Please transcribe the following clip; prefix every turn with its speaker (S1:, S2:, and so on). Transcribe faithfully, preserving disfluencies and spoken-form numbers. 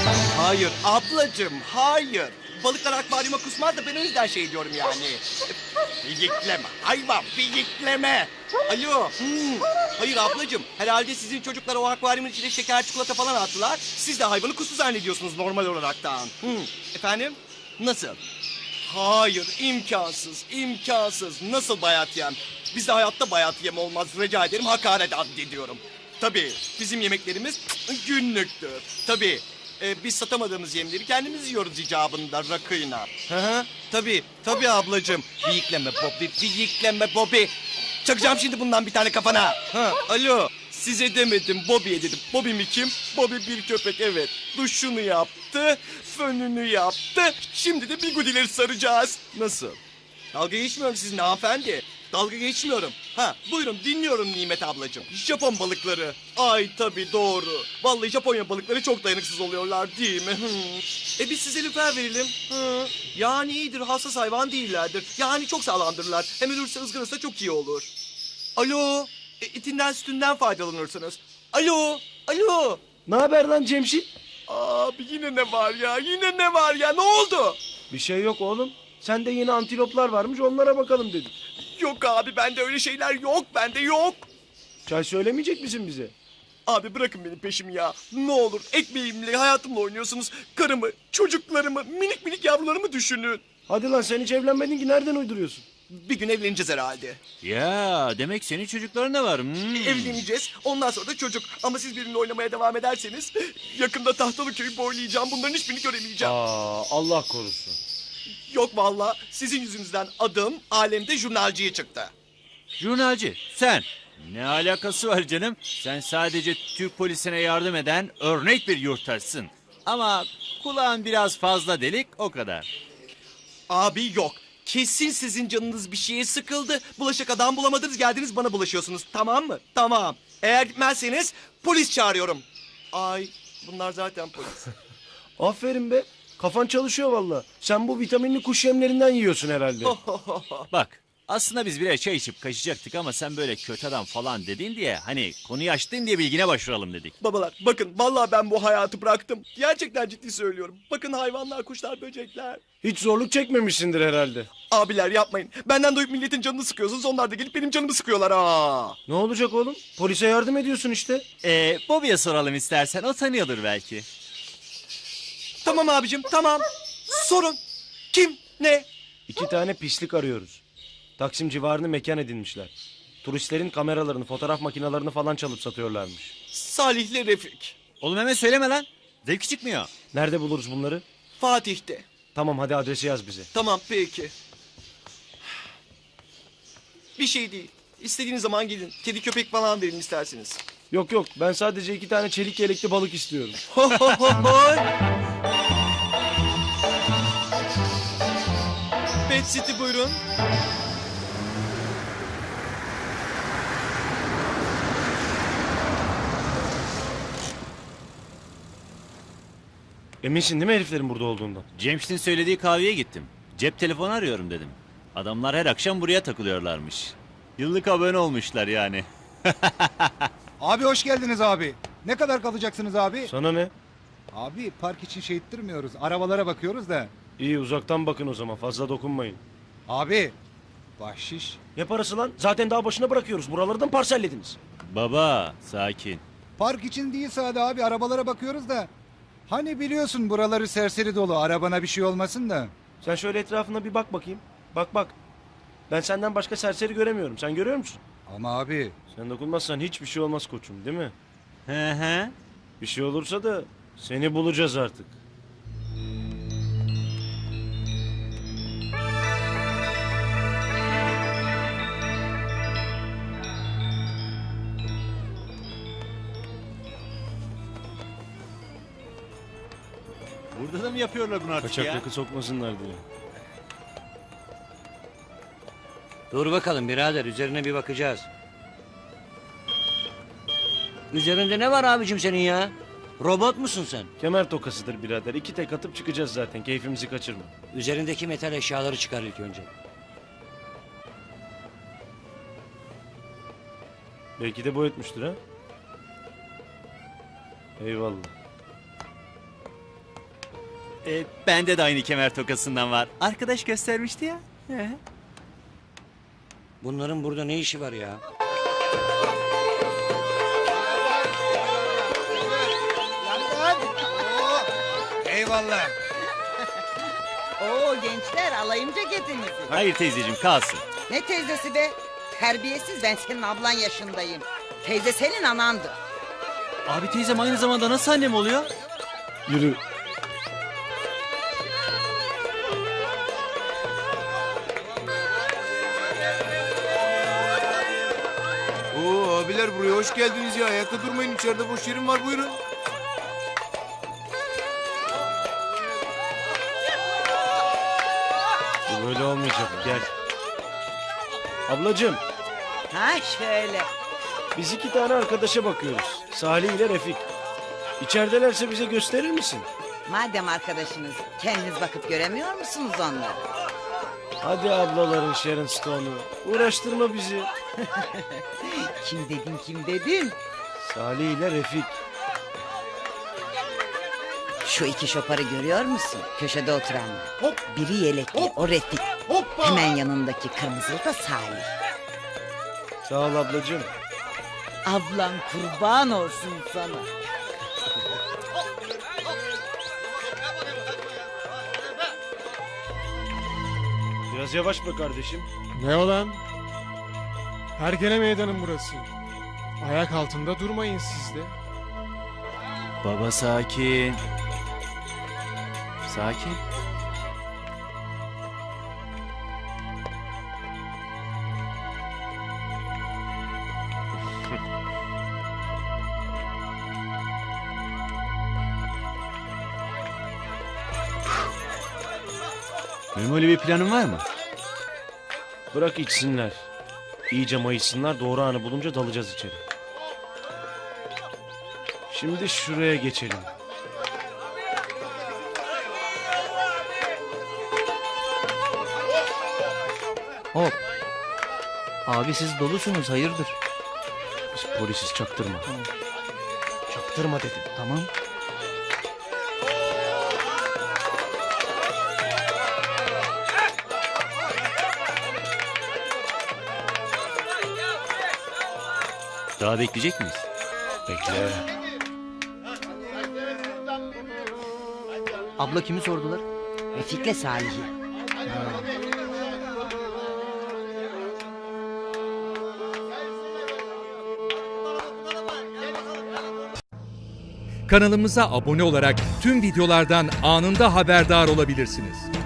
S1: Hayır ablacığım, hayır. Balıklar akvaryuma kusmaz da ben o yüzden şey diyorum yani. Fiyikleme, hayvan fiyikleme. Alo. Hmm. Hayır ablacığım, herhalde sizin çocuklar o akvaryumun içine şeker çikolata falan attılar. Siz de hayvanı kustu zannediyorsunuz normal olaraktan. Hmm. Efendim? Nasıl? Hayır, imkansız, imkansız. Nasıl bayat yem? Bizde hayatta bayat yem olmaz. Rica ederim, hakaret addediyorum. Tabii, bizim yemeklerimiz günlüktür. Tabii, e, biz satamadığımız yemleri kendimiz yiyoruz icabında rakıyla. Hı hı, tabii, tabii ablacığım. Fiyikleme Bobby, fiyikleme Bobby. Çakacağım şimdi bundan bir tane kafana. Ha, alo. Size demedim, Bobby'ye dedim. Bobby mi kim? Bobby bir köpek, evet. Duşunu yaptı, fönünü yaptı. Şimdi de bigudileri saracağız. Nasıl? Dalga geçmiyorum sizinle hanımefendi. Dalga geçmiyorum. Ha, buyurun dinliyorum Nimet ablacığım. Japon balıkları. Ay tabii doğru. Vallahi Japonya balıkları çok dayanıksız oluyorlar değil mi? Hmm. E biz size lüfer verelim. Hı. Yani iyidir, hassas hayvan değillerdir. Yani çok sağlamdırlar. Hem ölürse ızgarası çok iyi olur. Alo. E, etinden sütünden faydalanırsınız. Alo. Alo.
S2: Ne haber lan Cemşit?
S1: Abi yine ne var ya? Yine ne var ya? Ne oldu?
S2: Bir şey yok oğlum. Sende yeni antiloplar varmış, onlara bakalım dedik.
S1: Yok abi bende öyle şeyler yok. Bende yok.
S2: Çay söylemeyecek misin bize?
S1: Abi bırakın benim peşimi ya. Ne olur ekmeğimle hayatımla oynuyorsunuz. Karımı, çocuklarımı, minik minik yavrularımı düşünün.
S2: Hadi lan, sen hiç evlenmedin ki, nereden uyduruyorsun?
S1: Bir gün evleneceğiz herhalde.
S3: Ya demek senin çocukların da var. Hmm.
S1: Evleneceğiz. Ondan sonra da çocuk. Ama siz benimle oynamaya devam ederseniz yakında Tahtalı köyü boylayacağım. Bunların hiçbirini göremeyeceğim.
S2: Aa, Allah korusun.
S1: Yok vallahi sizin yüzünüzden adım alemde jurnalciye çıktı.
S3: Jurnalci sen. Ne alakası var canım? Sen sadece Türk polisine yardım eden örnek bir yurttaşsın. Ama kulağın biraz fazla delik o kadar.
S1: Abi yok. Kesin sizin canınız bir şeye sıkıldı. Bulaşık adam bulamadınız, geldiniz bana bulaşıyorsunuz. Tamam mı? Tamam. Eğer gitmezseniz polis çağırıyorum. Ay bunlar zaten polis.
S2: Aferin be. Kafan çalışıyor valla. Sen bu vitaminli kuş yemlerinden yiyorsun herhalde.
S3: Bak aslında biz birer çay içip kaçacaktık ama sen böyle kötü adam falan dedin diye hani konuyu açtın diye bilgine başvuralım dedik.
S1: Babalar bakın vallahi ben bu hayatı bıraktım. Gerçekten ciddi söylüyorum. Bakın hayvanlar, kuşlar, böcekler.
S2: Hiç zorluk çekmemişsindir herhalde.
S1: Abiler yapmayın. Benden duyup milletin canını sıkıyorsunuz. Onlar da gelip benim canımı sıkıyorlar ha.
S2: Ne olacak oğlum? Polise yardım ediyorsun işte.
S3: Ee, Bobby'ye soralım istersen o tanıyordur belki.
S1: Tamam abicim tamam. Sorun. Kim? Ne?
S2: İki tane pislik arıyoruz. Taksim civarını mekan edinmişler. Turistlerin kameralarını, fotoğraf makinelerini falan çalıp satıyorlarmış.
S1: Salih'le Refik.
S3: Oğlum hemen söyleme lan. Zevki çıkmıyor.
S2: Nerede buluruz bunları?
S1: Fatih'te.
S2: Tamam, hadi adresi yaz bize.
S1: Tamam peki. Bir şey değil. İstediğiniz zaman gelin. Kedi köpek falan verin isterseniz.
S2: Yok yok, ben sadece iki tane çelik yelekli balık istiyorum.
S1: Ho ho ho ho. Pet City buyurun.
S2: Eminsin değil mi heriflerin burada olduğundan?
S3: Cemşit'in söylediği kahveye gittim. Cep telefonu arıyorum dedim. Adamlar her akşam buraya takılıyorlarmış. Yıllık abone olmuşlar yani.
S4: Abi hoş geldiniz abi. Ne kadar kalacaksınız abi?
S2: Sana ne?
S4: Abi park için şey ettirmiyoruz. Arabalara bakıyoruz da.
S2: İyi, uzaktan bakın o zaman, fazla dokunmayın.
S4: Abi bahşiş.
S2: Ne parası lan? Zaten daha başına bırakıyoruz. Buralardan parsellediniz.
S3: Baba sakin.
S4: Park için değil sade abi, arabalara bakıyoruz da. Hani biliyorsun buraları serseri dolu, arabana bir şey olmasın da.
S2: Sen şöyle etrafına bir bak bakayım. Bak bak. Ben senden başka serseri göremiyorum. Sen görüyor musun?
S4: Ama abi
S2: Sen dokunmazsan hiçbir şey olmaz koçum, değil mi?
S3: Hı hı.
S2: Bir şey olursa da seni bulacağız artık.
S3: Burada da mı yapıyorlar bunu artık
S2: Kaçak
S3: ya?
S2: yakı sokmasınlar diye.
S5: Dur bakalım birader, üzerine bir bakacağız. Üzerinde ne var abicim senin ya? Robot musun sen?
S2: Kemer tokasıdır birader. İki tek atıp çıkacağız zaten. Keyfimizi kaçırma.
S5: Üzerindeki metal eşyaları çıkar ilk önce.
S2: Belki de boyutmuştur ha. Eyvallah.
S3: E, bende de aynı kemer tokasından var. Arkadaş göstermişti ya. He.
S5: Bunların burada ne işi var ya?
S4: Eyvallah.
S6: Oo gençler alayım ceketinizi.
S3: Hayır teyzeciğim kalsın.
S6: Ne teyzesi be? Terbiyesiz, ben senin ablan yaşındayım. Teyze senin anandı.
S3: Abi teyzem aynı zamanda nasıl annem oluyor?
S2: Yürü.
S7: Oo abiler buraya hoş geldiniz ya. Ayakta durmayın, içeride boş yerim var, buyurun.
S2: Bu böyle olmayacak. Gel. Ablacığım,
S6: Ha şöyle.
S2: biz iki tane arkadaşa bakıyoruz. Salih ile Refik. İçeridelerse bize gösterir misin?
S6: Madem arkadaşınız, kendiniz bakıp göremiyor musunuz onları?
S2: Hadi ablaların Sharon Stone'u. Uğraştırma bizi.
S6: Kim dedin kim dedin?
S2: Salih ile Refik.
S6: Şu iki şoparı görüyor musun? Köşede oturanlar.
S7: Hop.
S6: Biri yelekli,
S7: Hop.
S6: o Refik.
S7: Hoppa!
S6: Hemen yanındaki kırmızılı da Salih.
S2: Sağ ol ablacığım.
S6: Ablan kurban olsun sana.
S2: Biraz yavaş be kardeşim.
S8: Ne olan? Hergele meydanım burası. Ayak altında durmayın siz de.
S3: Baba sakin. Sakin. Memoli bir planın var mı?
S2: Bırak içsinler. İyice mayışsınlar, doğru anı bulunca dalacağız içeri. Şimdi şuraya geçelim.
S5: Hop. Abi siz dolusunuz hayırdır?
S2: Biz polisiz, çaktırma. Çaktırma dedim.
S5: Tamam.
S3: Daha bekleyecek miyiz?
S2: Bekle.
S5: Abla kimi sordular?
S6: Refik'le Salih'i.
S9: Kanalımıza abone olarak tüm videolardan anında haberdar olabilirsiniz.